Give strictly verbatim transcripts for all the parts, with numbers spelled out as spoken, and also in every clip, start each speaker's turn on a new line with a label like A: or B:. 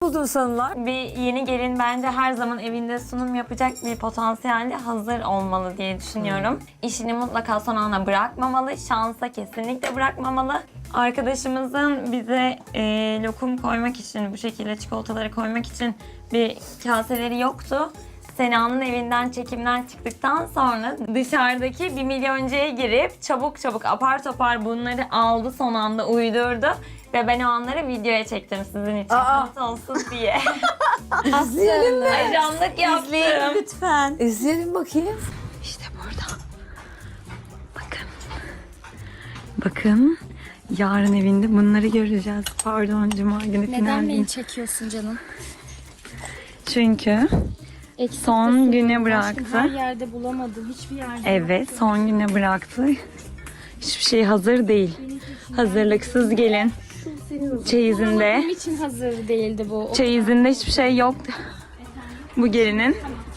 A: buldunuz hanımlar?
B: Bir yeni gelin bence her zaman evinde sunum yapacak bir potansiyelde hazır olmalı diye düşünüyorum. Hmm. İşini mutlaka son ana bırakmamalı, şansa kesinlikle bırakmamalı. Arkadaşımızın bize e, lokum koymak için, bu şekilde çikolataları koymak için bir kaseleri yoktu. Sena'nın evinden çekimden çıktıktan sonra dışarıdaki bir milyoncuya girip çabuk çabuk apar topar bunları aldı, son anda uydurdu. Ve ben o anları videoya çektim sizin için. Nasıl olsun diye.
A: İzleyelim mi?
B: Ajanlık yaptım.
C: Lütfen.
A: İzleyelim bakayım.
D: İşte burada. Bakın. Bakın. Yarın evinde bunları göreceğiz. Pardon, cuma günü final
E: Neden
D: günü.
E: beni çekiyorsun canım?
D: Çünkü
E: Eksik
D: son
E: de
D: güne
E: söyleyeyim.
D: bıraktı.
E: Aşkım, her yerde bulamadım. Hiçbir yerde
D: Evet,
E: yoktu.
D: son güne bıraktı. Hiçbir şey hazır değil. Hazırlıksız gelin. Çeyizinde.
E: Benim için hazır değildi bu.
D: Çeyizinde hiçbir şey yoktu. Bu gelinin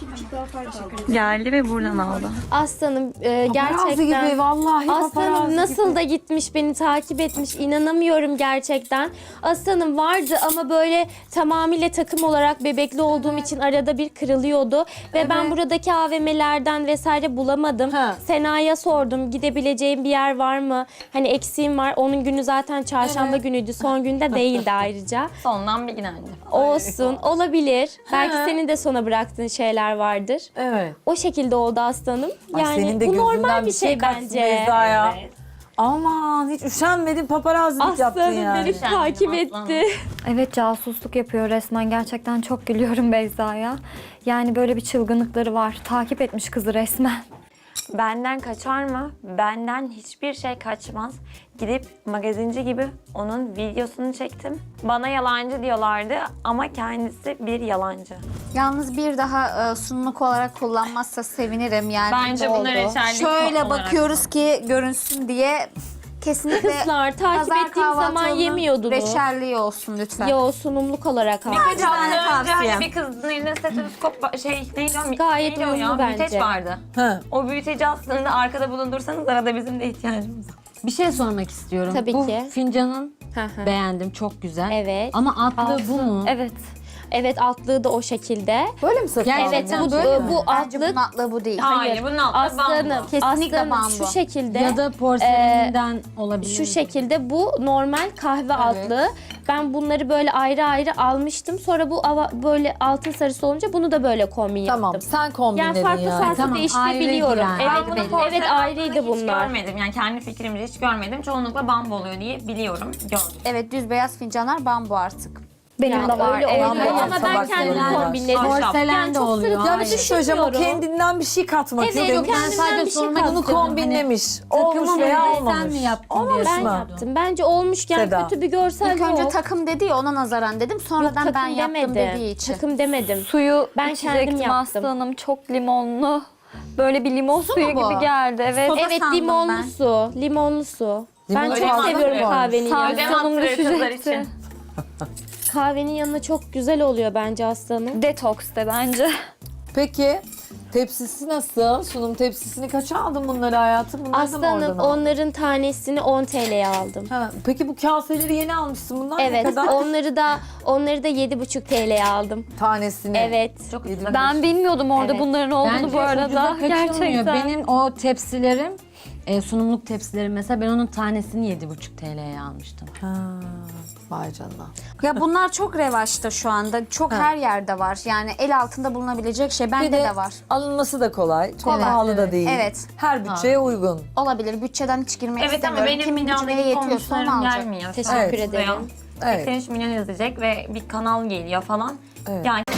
D: geldi ve buradan aldı.
F: Aslanım e,
A: Paparazzi
F: gerçekten
A: gibi vallahi paparazzi
F: Aslanım nasıl
A: gibi.
F: da gitmiş beni takip etmiş, inanamıyorum gerçekten. Aslanım vardı ama böyle tamamıyla takım olarak bebekli olduğum için arada bir kırılıyordu. Ve ben buradaki A V M'lerden vesaire bulamadım.
A: Ha.
F: Sena'ya sordum, gidebileceğim bir yer var mı? Hani eksiğim var, onun günü zaten çarşamba günüydü, son günde değildi ayrıca.
B: Sondan bir gün önce.
F: Olsun, olabilir. Belki senin de sona bıraktığın şeyler vardır.
A: Evet.
F: O şekilde oldu aslanım.
A: Ay,
F: Yani
A: senin de
F: bu normal
A: gözünden
F: bir şey
A: kaçsın
F: bence.
A: Beyza ya.
B: Evet.
A: Aman hiç üşenmedin, paparazzilik yaptın
F: Aslanım
A: yani.
F: beni takip
B: Aslanım.
F: etti.
G: Evet, casusluk yapıyor resmen. Gerçekten çok gülüyorum Beyza'ya. Yani böyle bir çılgınlıkları var. Takip etmiş kızı resmen.
B: Benden kaçar mı? Benden hiçbir şey kaçmaz. Gidip magazinci gibi onun videosunu çektim. Bana yalancı diyorlardı ama kendisi bir yalancı.
C: Yalnız bir daha e, sunumluk olarak kullanmazsa sevinirim yani.
B: Bence
C: bu
B: buna
C: oldu.
B: reçellik
C: Şöyle
B: olarak
C: bakıyoruz ki görünsün diye kesinlikle
F: Kızlar takip
C: pazar
F: ettiğim zaman
C: kahvaltılığının
F: yemiyordunuz.
C: Reçelliği olsun lütfen.
F: Yo, sunumluk olarak aldım.
C: Birkaç tane
B: Önce hani
C: tavsiyem.
B: bir kızın elinde stetoskop ba- şey neydi o?
F: Gayet
B: neydi o ya?
F: uyumlu bence.
B: Büyüteç vardı.
A: Ha.
B: O büyüteci aslında arkada bulundursanız arada bizim de ihtiyacımız var.
H: Bir şey sormak istiyorum.
F: Tabii
H: bu
F: ki.
H: fincanın
F: Hı hı.
H: beğendim, çok güzel.
F: Evet.
H: Ama altlığı bu mu?
G: Evet.
F: Evet, altlığı da o şekilde.
A: Böyle mi sakın?
H: Gerçekten
F: Evet, bu,
H: böyle mi?
F: bu
C: Bence
F: altlık
C: bunun atlığı bu değil.
B: Hayır, bunun altı
F: aslanım,
B: bambu.
C: Kesinlikle
F: aslanım
C: bambu.
F: şu şekilde.
H: Ya da porseleninden olabilir.
F: Şu şekilde bu normal kahve altlığı. Ben bunları böyle ayrı ayrı almıştım. Sonra bu ava, böyle altın sarısı olunca bunu da böyle kombin
A: Tamam,
F: yaptım.
A: sen kombinledin
F: Yani farklı
A: yani.
F: farklı
H: Tamam,
F: değiştirebiliyorum.
H: ayrıydı yani.
F: Evet,
B: Ben bunu
F: evet,
B: porselen
F: evet ayrıydı
B: altında hiç
F: bunlar.
B: görmedim. Yani kendi fikrimce hiç görmedim. Çoğunlukla bambu oluyor diye biliyorum. Gördüm.
C: Evet, düz beyaz fincanlar bambu artık.
G: Benim
F: Yani
G: de var.
F: öyle
G: evde.
F: oluyor ama ben
A: Tabak
F: kendim
A: seviyorum.
F: kombinledim.
H: Porselen
F: Yani
H: de
F: çok
H: oluyor.
F: sırıtma
A: Ya bir
F: bir
A: şey söyleyeceğim, o
F: düşünmüyorum.
A: kendinden bir şey katmak
F: Evet, o
A: istemiş.
F: kendinden
H: sadece
F: bir şey
H: sormak
F: kattı.
A: Bunu kombinlemiş. Olmuş
H: Takımı
A: veya
H: böyle
A: olmamış.
H: sen mi yaptın
A: Olmamış
H: diye
A: mı?
F: Ben yaptım. Bence olmuşken
A: Seda.
F: kötü bir görsel
C: İlk önce
F: yok.
C: takım dedi ya, ona nazaran dedim.
F: Yok,
C: Sonradan
F: takım
C: ben yaptım
F: demedim.
C: dediği için.
F: Takım demedim.
G: Suyu
F: Ben
G: içecektim
F: kendim yaptım.
G: aslanım. Çok limonlu. Böyle bir limon
C: Su
G: suyu
C: mu bu?
G: gibi geldi. Evet.
C: Soda
F: Evet,
C: sandım
F: limonlu
C: ben.
F: su. Limonlu su. Ben
A: Limon
F: çok
A: fazla
F: seviyorum
A: mı var?
F: kahvenin
G: Sağ-
F: yanına.
B: Ödem
G: Canım
B: attırıyor kızlar
G: düşecekti.
B: için.
F: Kahvenin yanına çok güzel oluyor bence aslanım.
G: Detoks de bence.
A: Peki tepsisi nasıl? Sunum tepsisini kaça aldın bunları hayatım? Bunları da mı
F: Aslanım
A: oradan aldın?
F: onların tanesini on T L'ye aldım.
A: Ha, peki bu kaseleri yeni almışsın. Bunlar ne
F: Evet,
A: kadar?
F: onları da onları da yedi buçuk T L'ye aldım.
A: Tanesini.
F: Evet.
B: Çok
A: Yedim.
B: güzel.
G: Ben bilmiyordum orada
F: Evet.
G: bunların olduğunu
H: Bence
G: bu arada.
H: ucuza kaçılmıyor.
G: Gerçekten.
H: Benim o tepsilerim, e, sunumluk tepsilerim mesela, ben onun tanesini yedi buçuk T L'ye almıştım.
A: Ha, vay canına.
C: Ya bunlar çok revaçta şu anda. Çok her yerde var. Yani el altında bulunabilecek şey. Bende
A: Bir de
C: de var.
A: alınması da kolay. Çok
C: Kolay.
A: pahalı da değil.
C: Evet.
A: Her bütçeye uygun.
C: Olabilir. Bütçeden hiç girmek
B: Evet ama
C: istemiyorum.
B: benim
C: Kimin gücüne
B: milyondaki
C: yetiyorsa onu
B: komşularım
C: alacak.
B: gelmiyor.
F: Teşekkür
A: Evet.
F: ederim.
A: Evet.
B: seksen üç milyon izleyecek ve bir kanal geliyor falan.
A: Evet.
B: Yani